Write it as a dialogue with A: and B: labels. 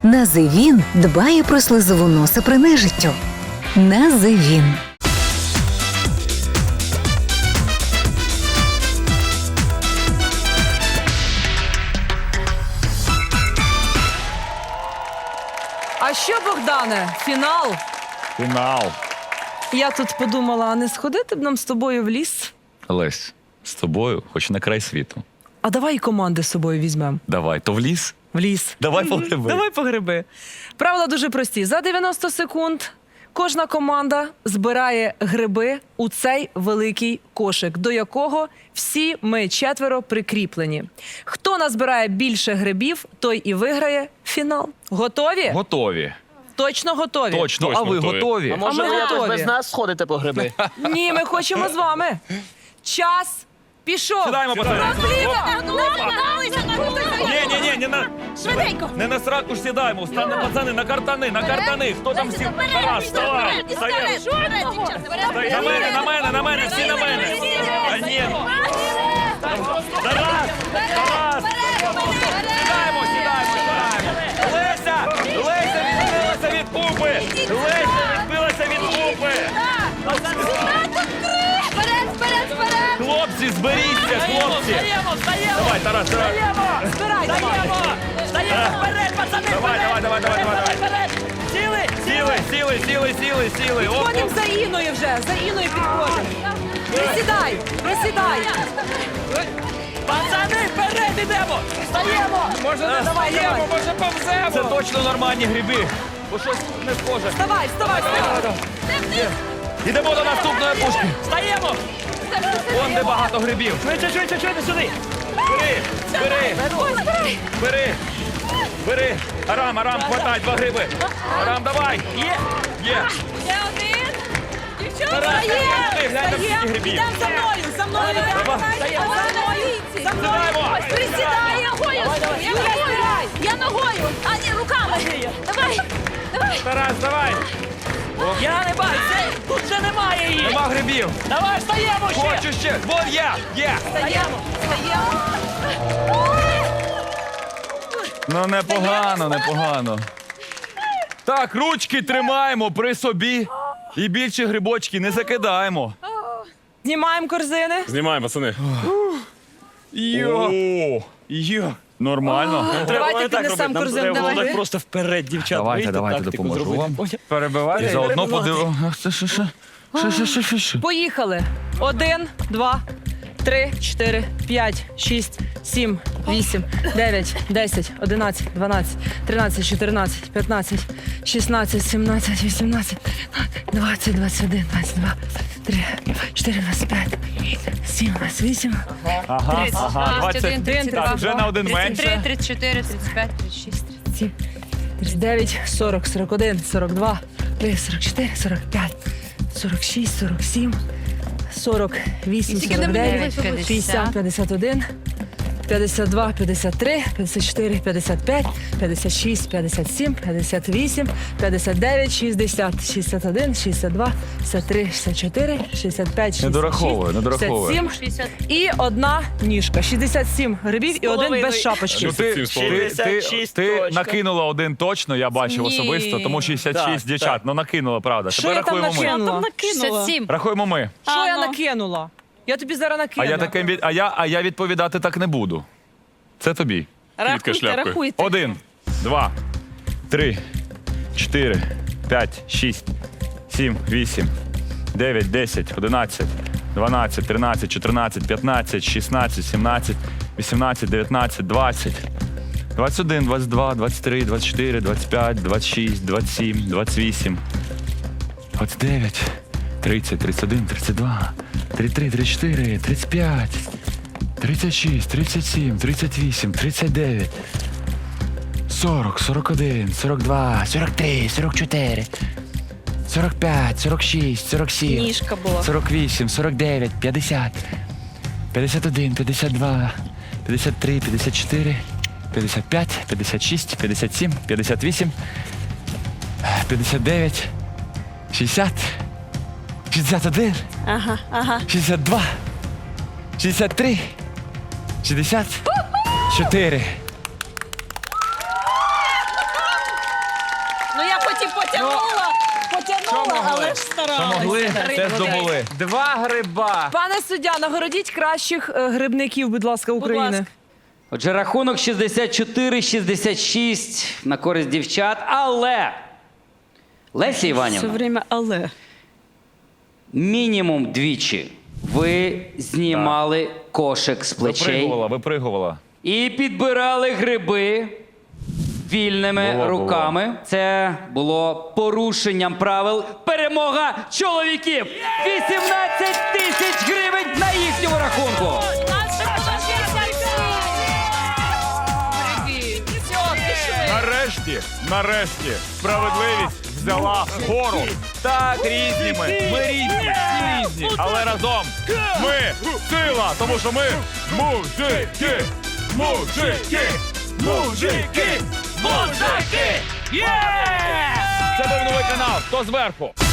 A: Називін дбає про слизову носа при нежиттю. Називін.
B: А що, Богдане, фінал?
C: Фінал.
B: Я тут подумала, а не сходити б нам з тобою в ліс?
C: Лесь, з тобою, хоч на край світу.
B: А давай і команди з собою візьмемо.
C: Давай, то в ліс?
B: В ліс.
C: Давай по гриби.
B: Давай по гриби. Правила дуже прості. За 90 секунд кожна команда збирає гриби у цей великий кошик, до якого всі ми четверо прикріплені. Хто назбирає більше грибів, той і виграє фінал. Готові?
C: Готові.
B: Точно готові?
C: Точно, а ви готові?
D: Може,
B: ми
D: ви якось
B: готові.
D: без нас сходите по гриби?
B: Ні, ми хочемо з вами. Час пішов.
C: Сідаємо, пацани. Ні, не на...
E: Швиденько!
C: Не на сраку ж сідаємо. Встане, пацани, на картани. Хто там сів? Тарас, вставай. Встаєш. На мене, всі на мене. А ні. Тарас. Сідаємо. Леся відбилася від пупи. Хлопці, зберіться, хлопці. Давай, Тарас.
B: Збирай, давай.
E: Вперед, пацани!
C: Давай. Сіли. Оп,
B: Підходимо за Іною вже. За Іною підходимо. Присідай.
E: Пацани, вперед ідемо! Стаємо!
B: Може не давай.
E: може повземо!
C: Це точно нормальні гриби. Бо щось не схоже.
B: Вставай.
C: Йдемо до наступної пушки.
E: Стаємо!
C: Вон де багато грибів.
E: Швидше, сюди!
C: Бери. Арам, хватай 2 гриби. Арам, давай. Є.
E: Ще один! Дівчата!
C: Тарас, глянь на всіх грибів.
B: Йдемо за мною. За мною.
E: Присідай, я ногою! А, ні, руками! Давай!
C: Тарас, давай.
E: Я не бачу! Тут вже немає її!
C: Нема грибів.
E: Давай, стаємо ще!
C: Хочу ще. Вон є.
E: Стаємо!
C: Ну, непогано. Так, ручки тримаємо при собі. І більше грибочки не закидаємо.
B: Знімаємо корзини.
F: Знімаємо, пацани.
C: Йо. Нормально.
B: Давайте піднесемо корзину. Давай.
F: Просто вперед, дівчата.
C: Давайте допоможу вам. Перебивайте. І заодно подивимося. Що?
B: Поїхали. 1, 2, 3, 4, 5, 6, 7, 8, 9, 10, 11, 12, 13, 14, 15, 16, 17, 18, 20, 21, 22, 23, 24, 25, 27, 28,
C: Ага.
B: 31, 32,
C: Так, вже на один менше.
E: 34, 35, 36.
B: 37, 39, 40, 41, 42, 43, 44, 45, 46, 47, 48, 49, 50, 51, 52, 53, 54, 55, 56, 57, 58, 59, 60, 61, 62, 63, 64, 65, 66,
C: Не дораховує.
B: 67 і одна ніжка. 67 грибів і один без шапочки.
C: Ну, ти
D: 66 точно.
C: накинула один точно, я бачив особисто, тому 66
D: Так,
C: дівчат.
D: так.
C: Ну накинула, правда.
B: Що
C: Тепер
B: я там
C: рахуємо ми.
B: накинула?
E: 67.
C: Рахуємо ми.
B: Що я накинула? Я тобі зараз
C: А
B: накину.
C: я відповідати так не буду. Це тобі.
B: Рахуйте.
C: 1, 2, 3, 4, 5, 6, 7, 8, 9, 10, 11, 12, 13, 14, 15, 16, 17, 18, 19, 20, 21, 22, 23, 24, 25, 26, 27, 28, 29, 30, 31, 32, 33, 34, 35, 36, 37, 38, 39, 40, 41, 42, 43, 44, 45, 46, 47,
B: Ніжка була.
C: 48, 49, 50, 51, 52, 53, 54, 55, 56, 57, 58, 59, 60, 61, 62, 63, 64.
E: Ну я потім потягнула, але ж старалася.
C: Могли, це здобули.
F: 2 гриба.
B: Пане суддя, нагородіть кращих грибників, будь ласка, України.
E: ласка.
F: Отже, рахунок 64-66 на користь дівчат, але Леся
E: Все
F: Іванівна,
E: время але.
F: мінімум двічі ви знімали кошик з плечей
C: Випригувала.
F: і підбирали гриби вільними
C: Було.
F: руками. Це було порушенням правил. Перемога чоловіків! 18 тисяч гривень на їхньому рахунку!
C: Нарешті, справедливість взяла гору. Так, різні ми різні, всі різні, але разом ми сила, тому що ми мужики, мужики, мужики, мужики! Це був новий канал, хто зверху?